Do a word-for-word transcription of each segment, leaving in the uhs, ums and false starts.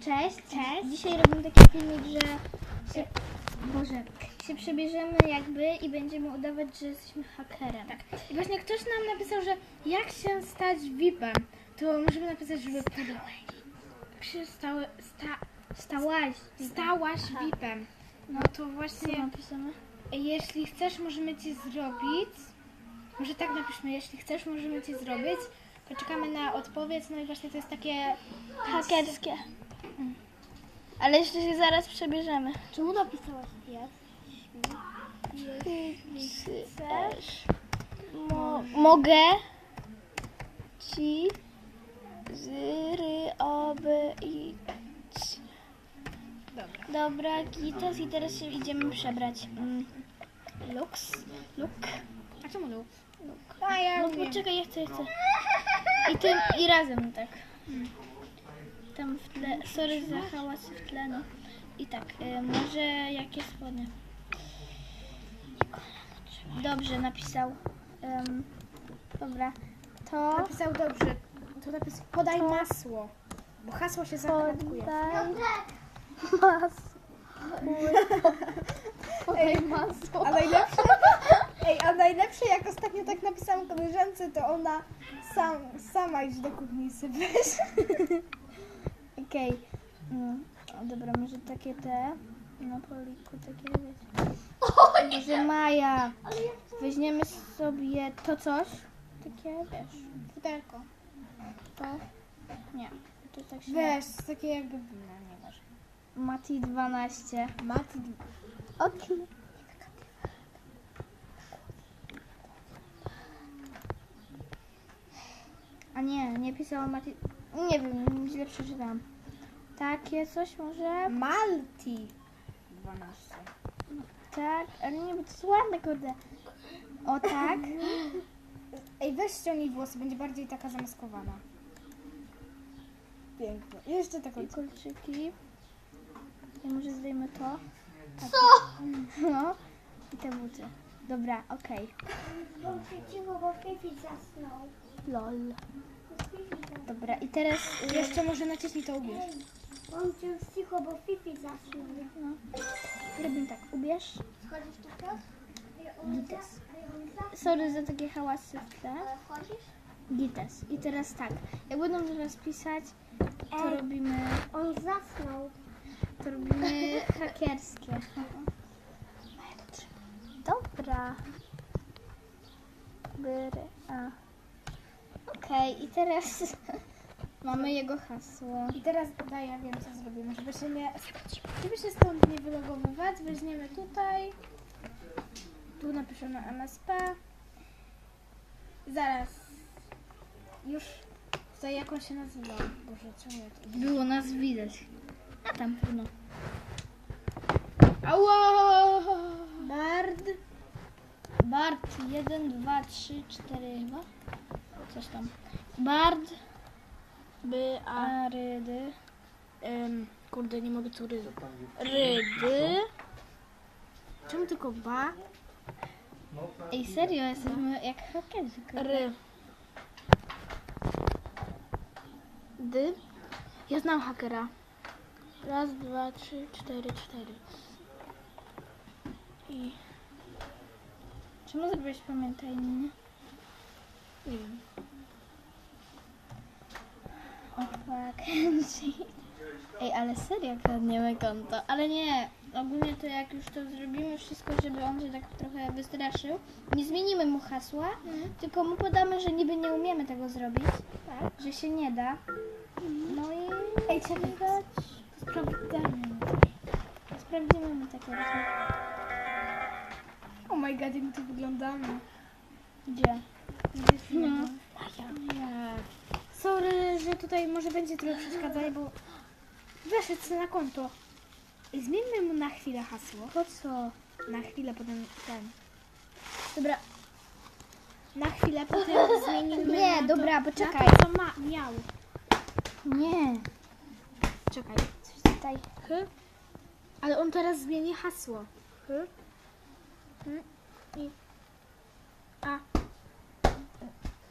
Cześć, cześć. Dzisiaj robimy taki filmik, że się, Boże, się przebierzemy jakby i będziemy udawać, że jesteśmy hakerem. Tak. I właśnie ktoś nam napisał, że jak się stać V I P-em, to możemy napisać, żeby jak się stały, sta, Stałaś. stałaś V I P-em. No to Co właśnie, napisane? jeśli chcesz, możemy ci zrobić. Może tak napiszmy, jeśli chcesz, możemy ci zrobić. Poczekamy na odpowiedź, no i właśnie to jest takie Hakerskie. Ale jeszcze się zaraz przebierzemy. Czemu napisałaś jest? Chcesz? Mo- mogę ci zrobić. Dobra. Dobra, Gitas i teraz się idziemy przebrać. Mm. Lux, look, A czemu Lu? look. A ja No umiem. poczekaj, ja chcę, ja chcę. I tym, i razem tak. Tam w tle, sorry za hałas w tle, no. I tak, y, może jakie spodnie? Dobrze, napisał. Ym, dobra, to Napisał dobrze. To napis podaj To- masło. Bo hasło się zakradkuje. podaj masło. Podaj masło. A najlepsze, ej, a najlepsze jak ostatnio tak napisałam koleżance, to ona sam, sama idź do kuchni sypać. Okej. Mm, o, dobra, może takie te na poliku, takie wiecie. Może Maja. Weźmiemy sobie to coś. Takie, wiesz, Futerko. to. Nie, to tak się... Weź, takie jakby wina, nieważne. Mati dwanaście. Mati, Okej. A nie, nie pisała Mati. Nie wiem, źle przeczytałam. Takie coś może? Malti dwanaście. Tak, ale nie, bo to jest ładne, kurde. O tak. Ej, weź ściągnij włosy, będzie bardziej taka zamaskowana. Pięknie. I jeszcze taką. I kolczyki. Ja może zdejmę to. Tak. Co? No. I te buty. Dobra, okej. Cicho, bo Fifi zasnął. Lol. Fifi zasnął. Dobra, i teraz... y, Jeszcze może naciśnij to ubierz. On cię cicho, bo Fifi zasnął. No. Robimy tak, ubierz. Schodzisz tu teraz? Gites. Sorry za takie hałasy w tle. Ale wchodzisz? Gites. I teraz tak, jak będą teraz pisać, to Ej. robimy... On zasnął. To robimy hakerskie. Dobra. Byry. A. Okej, i teraz mamy jego hasło. I teraz daj, ja wiem co zrobimy, żeby się nie, żeby się stąd nie wylogowywać, weźmiemy tutaj, tu napiszemy M S P, zaraz, już, tutaj jak on się nazywa, Boże, czemu ja to... Było nas widać. A tam pewno. Ała! Bard, Bard jeden, dwa, trzy, cztery chyba. Coś tam. Bard, by, a, Arydy, ym, kurde, nie mogę tu rydu. Rydy. Czemu tylko ba? Ej, serio, jesteśmy jak hakerzy. Ry. Dy. Ja znam hakera. Raz, dwa, trzy, cztery, cztery. I Czemu zrobiłeś pamiętaj mnie? nie wiem. O fuck. Ej, ale serio kradniemy konto. Ale nie, ogólnie to jak już to zrobimy wszystko, żeby on się tak trochę wystraszył, nie zmienimy mu hasła, tylko mu podamy, że niby nie umiemy tego zrobić, Tak. że się nie da. No i Ej, trzeba dać. sprawdzamy. Sprawdzimy mu takie rzeczy. Oh my god, jak my tu wyglądamy. Gdzie? No. No. Nie. Sorry, że tutaj może będzie trochę przeszkadzać, bo weszedł na konto. I zmieńmy mu na chwilę hasło. Po co? Na chwilę, potem ten. Dobra. Na chwilę, potem zmienimy Nie, na dobra, to, poczekaj. Na to, co ma, miał. Nie. Czekaj. Coś tutaj. H? Ale on teraz zmieni hasło. H? H? I A.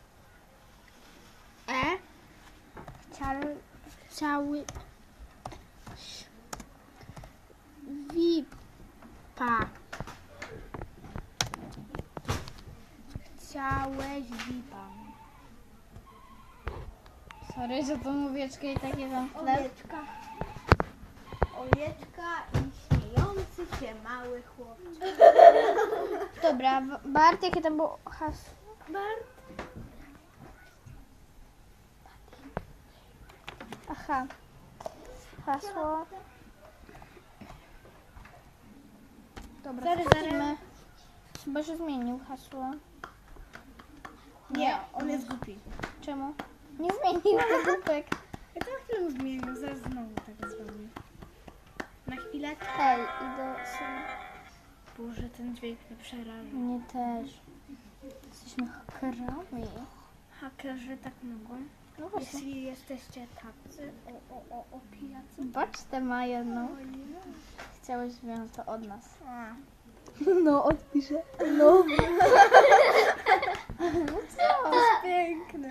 E. Chciał... Cały. Chciałaś. Wipa. Chciałeś wipa. Sorry, że to mówieczkę i takie tam chleb. Owieczka. Owieczka i śmiejący się mały chłopczyk. Dobra, B- Bart, jakie tam było hasło? Bart. Aha. Hasło. Dobra, Zaraz, wchodzimy. Chyba, że zmienił hasło. Nie, on jest głupi. Czemu? Nie zmienił wygłupek. Ja to na chwilę mu zmienił, zaraz znowu tak zrobię. Na chwilę. Hej, idę sobie. Boże, ten dźwięk mnie przeraża. Mnie też. Jesteśmy hakerami. Hakerzy tak mogą. No właśnie. Jeśli jesteście tacy, o, o, o, o pijacy. Baczcie ma jedną. O nie. Chciałeś wziąć to od nas. A. No, odpiszę. No. To jest piękne.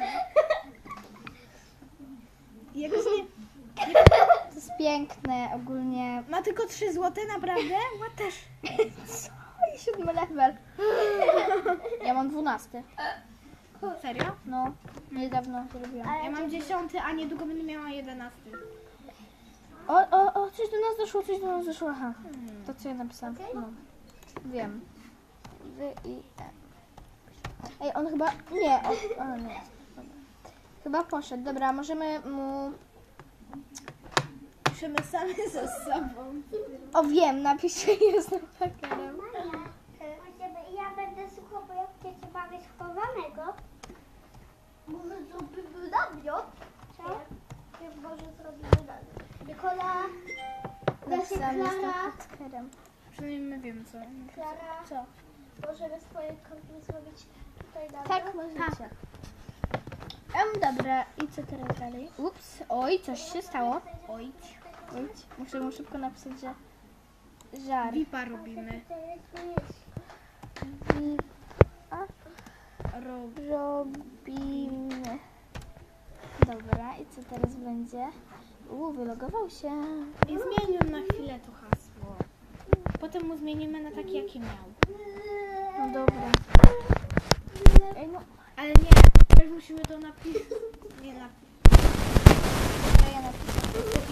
Jakoś nie... To jest piękne ogólnie. Ma tylko trzy złote, naprawdę? Ma też. Co? I siódmy level. Ja mam dwunasty. Serio? No, niedawno zrobiłam. Ja mam dziesiąty, a niedługo będę miała jedenasty. O, o, o, coś do nas doszło, coś do nas doszło. Aha, to co ja napisałam. No. Wiem. Wy i M. Ej, on chyba... Nie, o, o nie. Dobra. Chyba poszedł. Dobra, możemy mu... Piszemy sami ze sobą. O, wiem, napiszę, jestem hakerem. Ja będę słuchał, bo ja chcę bawić chowanego. Może zrobimy namiot? Co? Może zrobimy namiot. Nikola, Napisałam, jestem Klara. hakerem. Przynajmniej my wiemy co. Klara, Co? możemy z twojej kompii zrobić tutaj namiot? Tak, możecie. Um, dobra, i co teraz dalej? Ups, oj, coś się stało. Oj. Oj, muszę mu szybko napisać, że... Żar. Vipa robimy. To jest jest. Wi- a? Rob. Robimy. Dobra, i co teraz będzie? Uuu, wylogował się. I zmienił na chwilę to hasło. Potem mu zmienimy na takie, jakie miał. No dobra. Ej, no, Ale nie, też musimy to napisać. Nie napisać. dobra, ja napiszę.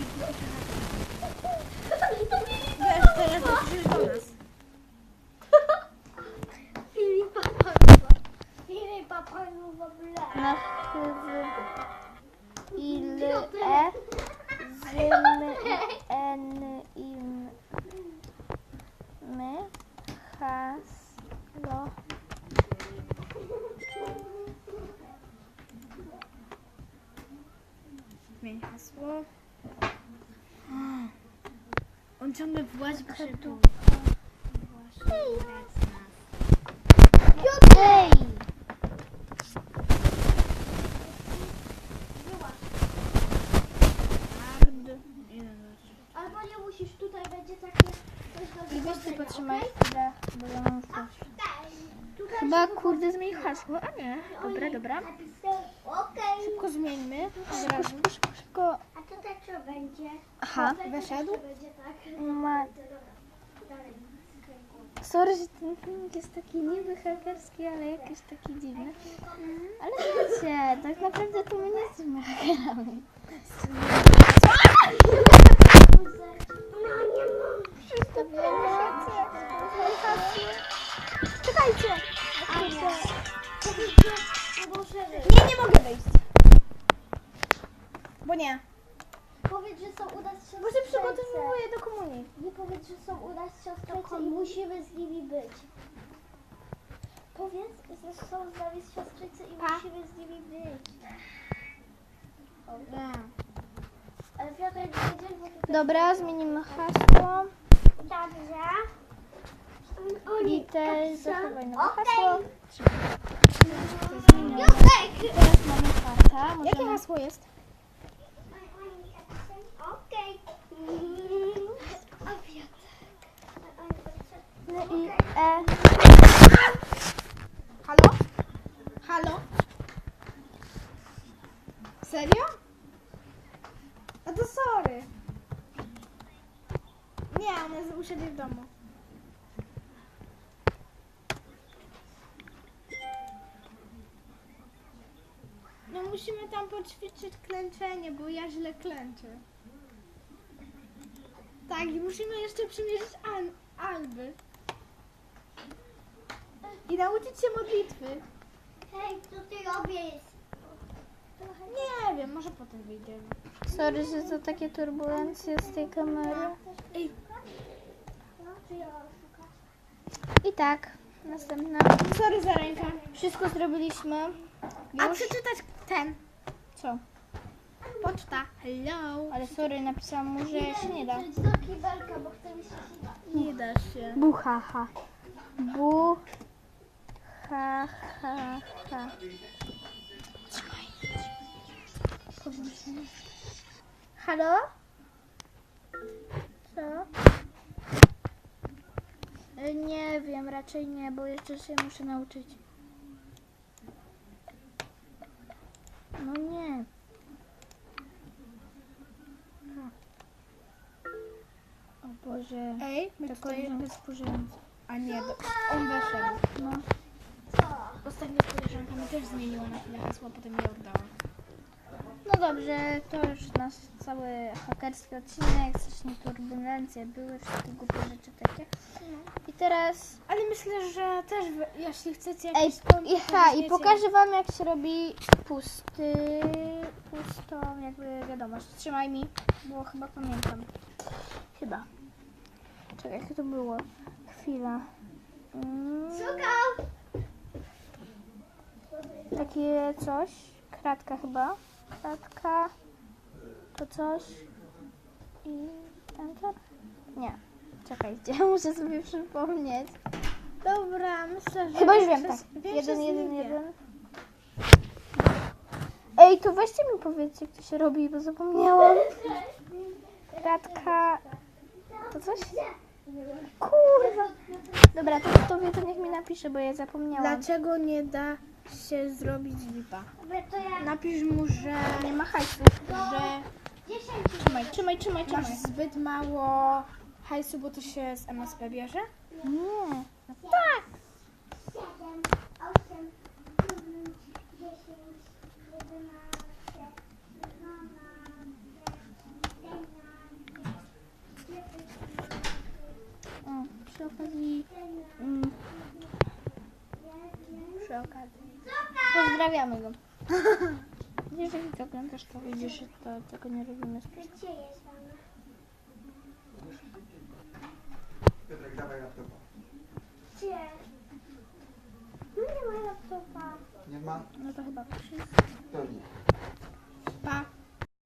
Wiesz, teraz napiszesz do nas. Filipa Pawła. Filipa Pawła w ogóle. Na chywy ile e zym en im my haslo. Zmień hasło. On ciągle włazi po szybku. Ej! Albo nie musisz, tutaj będzie takie coś do I weź ty zobaczenia, potrzymaj okej? chwilę, bo ja mam już coś. Okej. Tutaj Chyba się kurde zmień hasło, a nie. Dobra, dobra. napisałem, okej. Szybko zmieńmy. Szybko, szybko, szybko, szybko. A tutaj co będzie? Aha, Tutaj wyszedł? co będzie, tak? Ma... Dobra, dalej. Sorry, że ten filmik jest taki niby hakerski, ale jakiś taki dziwny. Ale wiecie, tak naprawdę to my nie jesteśmy hakerami. Czekajcie! Nie, nie mogę wyjść. Bo nie. Powiedz, że są u nas Bo się siostrzeńce. przygotowuję do komunii. Nie powiedz, że są u nas siostrzeńce i musimy z nimi być. Powiedz, że są z nami siostrzeńce i musimy z nimi być. Dobra. Ale Piotr nie wiedział, bo tutaj... Dobra, zmienimy hasło. Dobrze. I też zachowaj nowe Okej. hasło. Józek! Teraz mamy kartę. Jakie Możemy... hasło jest? Okej. A Piotr. N, I, E. Halo? Halo? Serio? A to sorry. Nie, ona jest u siebie w domu. No musimy tam poćwiczyć klęczenie, bo ja źle klęczę. Tak, i musimy jeszcze przymierzyć al alby. I nauczyć się modlitwy. Hej, co ty robisz? Nie wiem, może potem wyjdziemy. Sorry, że to takie turbulencje z tej kamery. Ej, No, ty ją szukasz. I tak, następna. sorry za rękę. Wszystko zrobiliśmy. A Już. przeczytać ten. Co? Poczta. Hello. Ale sorry, napisałam mu, że się nie da. Idź do kibelka, bo chcę mi się śnić. Nie da się. Buhaha. Bu. Ha, ha, ha. Halo? Co? E, Nie wiem, raczej nie, bo jeszcze się muszę nauczyć. No nie. O Boże. Ej, my To tutaj... koleżanka spóźniająca. A nie, do... on wyszedł. No. Co? Ostatnio z koleżankami też zmieniła na chwilę hasło, a potem je oddała. No dobrze, to już nasz cały hakerski odcinek, strasznie turbulencje były, wszystkie głupie rzeczy takie. I teraz, Ale myślę, że też, wy- jeśli chcecie ej, jakiś kontent, i, to ha, i weźmiecie- pokażę wam jak się robi pusty, pustą jakby wiadomość. Trzymaj mi, bo chyba pamiętam. Chyba. Czekaj, jak to było? Chwila. Mm, Szukam! takie coś, kratka chyba, kratka, to coś i enter? Nie, czekajcie, muszę sobie przypomnieć. Dobra, myślę, że... Chyba już wiem, tak, większość- większość jeden, z jeden, nich wie. jeden. Ej, to weźcie mi powiedzcie, jak to się robi, bo zapomniałam. Kratka, to coś? Kurwa. Dobra, to kto wie, to niech mi napisze, bo ja zapomniałam. Dlaczego nie da się zrobić lipa? Dobra, to ja... Napisz mu, że... Nie ma hajsu. że dziesięć. Trzymaj, trzymaj, trzymaj, masz trzymaj. zbyt mało hajsu, bo to się z M S P bierze? Nie. siedem, osiem, dziewięć, dziesięć, jedenaście, O, przy okazji... Mm, przy okazji. Pozdrawiamy go. Jeżeli to oglądasz, to widzisz, że to, tego nie robimy specjalnie. Gdzie jest mama? Piotrek, dawaj laptopa. Gdzie? No nie ma laptopa. Nie ma? No to chyba wszystko. To nie. Pa.